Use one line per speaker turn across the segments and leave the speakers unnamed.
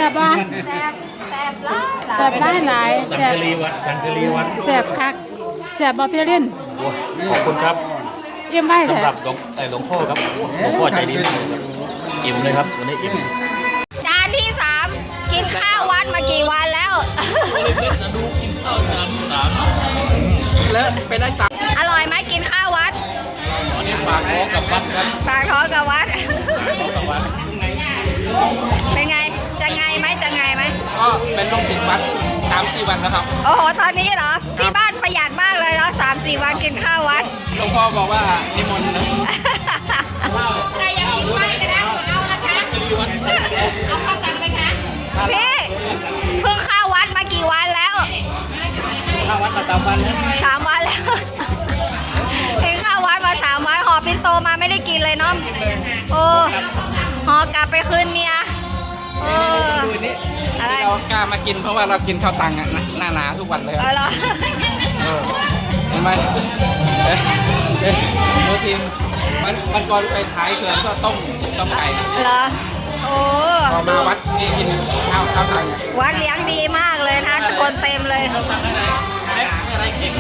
บป่ะ
แซ่บแซ่บหลาย
แซ่บหลาย
สัง
แซ่บ
กะรีวัดสังกะรีวัด
แซ่บคักแซ่บบ่พี่ลิน
โอ้ขอบคุณครับ
เยี่ยมไว้เถ
สำหรั
อะ
บหลวงพ่อครับหลวงพ่อใจดีมากเลยครับอิ่มเลยครับวันนี้อิ่ม
จานที่3กินข้าววัดมากี่วันแล้ว
เล็กๆนะดูกินข้าวจานที่3
แล้วไปได้ตังค์
อร่อยไหมกินข้าววัด
วันนี้ฝากท้องกับวัดครับ
ปากท้องกับวัด
ท้องกับวัด
เป็นไงจะไงไหมจะไงไหม
ก็เป็นลูกศิษย์วัด3-4 วันแล้วครับ
โอ้โหตอนนี้เหรอที่บ้านประหยัดมากเลยเนาะ3-4 วันกินข้าววัด
หลวงพ่อบอกว่านิมนต์นะ
ใครอยากกินไว้ก็ได้เอานะคะเอาข้าวตังไปคะพี่เพิ่งเข้าวัดมากี่วันแล้ว
ถ้าวัดมา3 วันนะ
3 วันแล้วเพิ่งเข้าวัดมา3 วันห่อปิ่นโตมาไม่ได้กินเลยเนาะโอ้ห่อกลับไปคืนเมียโอ้
ดูนี่
อะไร
เรากล้ามากินเพราะว่าเรากินข้าวตังอะหน้าทุกวันเลย
เออเหรอ
เห็นไหมดูทีมมันก่อนไปท้ายเขื่อนก็ต้มไก่
เหรอโอ้
พอมาวัดนี่กินข้าวตังอะ
วัดเลี้ยงดีมากเลยนะคนเต็มเลย
อะไรเก่ง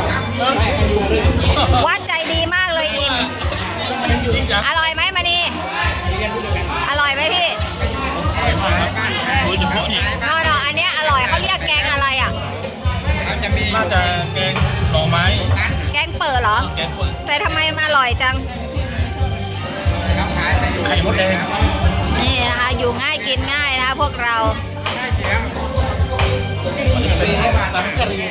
วัดใจดีมากเลยอิมอร่อยไหมมานีอร่อยไหมพี่
โดยเฉพาะนี่
นออันเนี้ยอร่อยเขาเรียกแกงอะไรอ่ะ
น่าจะแกงหน่อไม้
แกงเปิดเหรอ
แกงเปิด
แต่ทำไมมันอร่อยจัง
ไข่มดแดง
นี่นะคะอยู่ง่ายกินง่ายนะคะพวกเรา
เป็นสังกะรี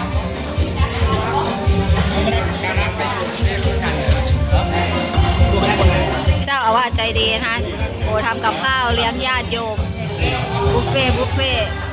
เจ้าอาวาสใจดีนะคะโอ้ทำกับข้าวเลี้ยงญาติโยมบุฟเฟ่ต์